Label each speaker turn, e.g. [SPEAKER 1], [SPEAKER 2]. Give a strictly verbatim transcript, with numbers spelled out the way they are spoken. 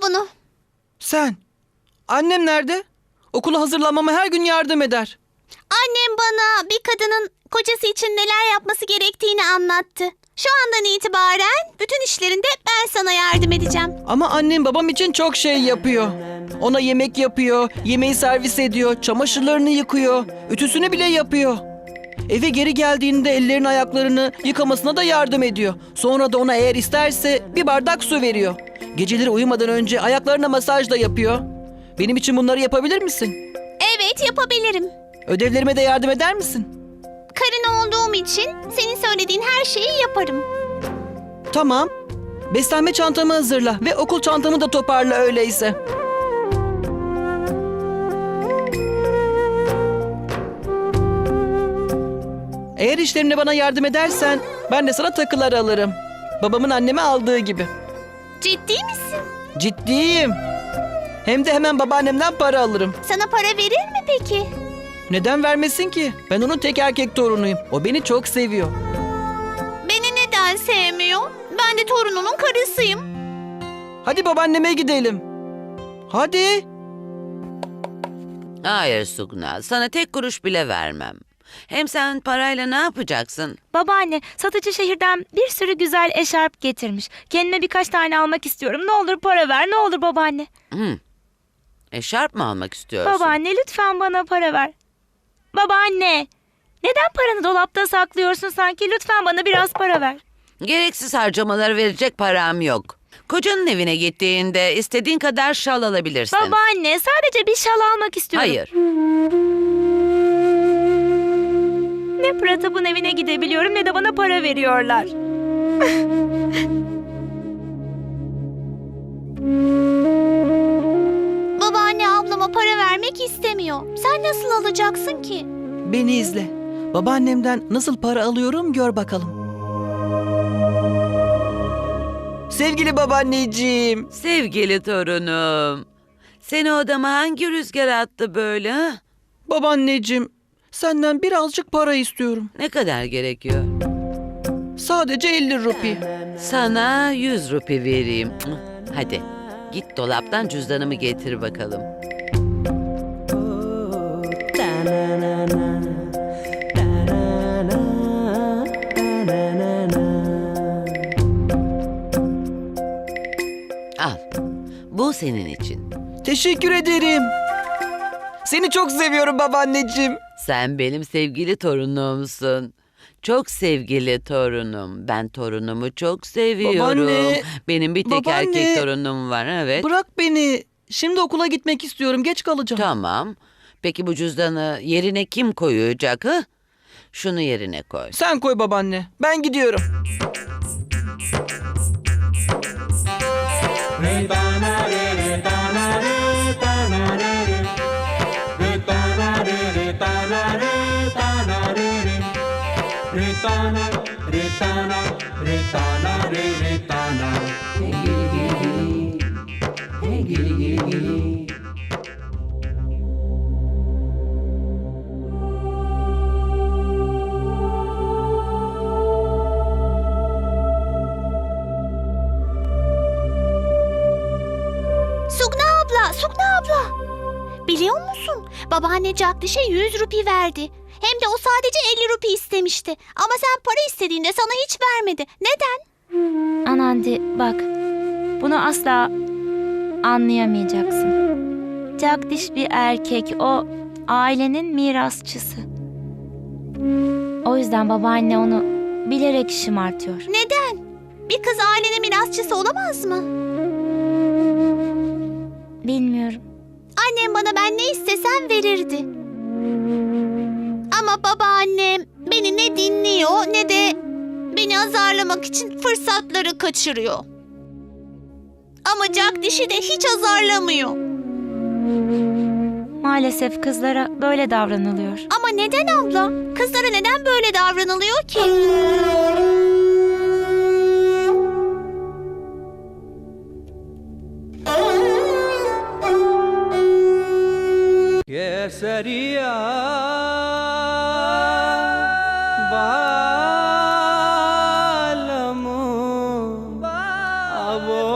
[SPEAKER 1] bunu.
[SPEAKER 2] Sen. Annem nerede? Okula hazırlanmama her gün yardım eder.
[SPEAKER 1] Annem bana bir kadının kocası için neler yapması gerektiğini anlattı. Şu andan itibaren bütün işlerinde ben sana yardım edeceğim.
[SPEAKER 2] Ama annem babam için çok şey yapıyor. Ona yemek yapıyor, yemeği servis ediyor, çamaşırlarını yıkıyor, ütüsünü bile yapıyor. Eve geri geldiğinde ellerini ayaklarını yıkamasına da yardım ediyor. Sonra da ona eğer isterse bir bardak su veriyor. Geceleri uyumadan önce ayaklarına masaj da yapıyor. Benim için bunları yapabilir misin?
[SPEAKER 1] Evet, yapabilirim.
[SPEAKER 2] Ödevlerime de yardım eder misin?
[SPEAKER 1] Karın olduğum için senin söylediğin her şeyi yaparım.
[SPEAKER 2] Tamam. Beslenme çantamı hazırla ve okul çantamı da toparla öyleyse. Eğer işlerimde bana yardım edersen ben de sana takılar alırım. Babamın anneme aldığı gibi.
[SPEAKER 1] Ciddi misin?
[SPEAKER 2] Ciddiyim. Hem de hemen babaannemden para alırım.
[SPEAKER 1] Sana para verir mi peki?
[SPEAKER 2] Neden vermesin ki? Ben onun tek erkek torunuyum. O beni çok seviyor.
[SPEAKER 1] Beni neden sevmiyor? Ben de torununun karısıyım.
[SPEAKER 2] Hadi babaanneme gidelim. Hadi.
[SPEAKER 3] Hayır Sugna, sana tek kuruş bile vermem. Hem sen parayla ne yapacaksın?
[SPEAKER 4] Babaanne, satıcı şehirden bir sürü güzel eşarp getirmiş. Kendime birkaç tane almak istiyorum. Ne olur para ver, ne olur babaanne.
[SPEAKER 3] Hmm. Eşarp mı almak istiyorsun?
[SPEAKER 4] Babaanne, lütfen bana para ver. Babaanne, neden paranı dolapta saklıyorsun sanki? Lütfen bana biraz para ver.
[SPEAKER 3] Gereksiz harcamaları verecek param yok. Kocanın evine gittiğinde istediğin kadar şal alabilirsin.
[SPEAKER 4] Babaanne, sadece bir şal almak istiyorum.
[SPEAKER 3] Hayır.
[SPEAKER 4] Ne Pratap'ın evine gidebiliyorum ne de bana para veriyorlar.
[SPEAKER 1] Babaanne ablama para vermek istemiyor. Sen nasıl alacaksın ki?
[SPEAKER 2] Beni izle. Babaannemden nasıl para alıyorum gör bakalım. Sevgili babaanneciğim.
[SPEAKER 3] Sevgili torunum. Seni odama hangi rüzgar attı böyle? Ha?
[SPEAKER 2] Babaanneciğim, senden birazcık para istiyorum.
[SPEAKER 3] Ne kadar gerekiyor?
[SPEAKER 2] Sadece elli rupi.
[SPEAKER 3] Sana yüz rupi vereyim. Hadi git dolaptan cüzdanımı getir bakalım. Al. Bu senin için.
[SPEAKER 2] Teşekkür ederim. Seni çok seviyorum babaanneciğim.
[SPEAKER 3] Sen benim sevgili torunumsun. Çok sevgili torunum. Ben torunumu çok seviyorum.
[SPEAKER 2] Babaanne,
[SPEAKER 3] Benim bir tek
[SPEAKER 2] babaanne.
[SPEAKER 3] erkek torunum var, evet.
[SPEAKER 2] Bırak beni. Şimdi okula gitmek istiyorum. Geç kalacağım.
[SPEAKER 3] Tamam. Peki bu cüzdanı yerine kim koyacak, ha? Şunu yerine koy.
[SPEAKER 2] Sen koy babaanne. Ben gidiyorum.
[SPEAKER 1] Sugna abla, Sugna abla. Biliyor musun? Babaanne Jagdish'e yüz rupi verdi. Hem de o sadece elli rupi istemişti. Ama sen para istediğinde sana hiç vermedi. Neden?
[SPEAKER 4] Anandi, bak. Bunu asla anlayamayacaksın. Jagdish bir erkek. O ailenin mirasçısı. O yüzden babaanne onu bilerek şımartıyor.
[SPEAKER 1] Neden? Bir kız ailenin mirasçısı olamaz mı?
[SPEAKER 4] Bilmiyorum.
[SPEAKER 1] Annem bana ben ne istesem verirdi. Ama babaannem beni ne dinliyor ne de beni azarlamak için fırsatları kaçırıyor. Ama Jagdish'i de hiç azarlamıyor.
[SPEAKER 4] Maalesef kızlara böyle davranılıyor.
[SPEAKER 1] Ama neden abla? Kızlara neden böyle davranılıyor ki?
[SPEAKER 5] Kesariya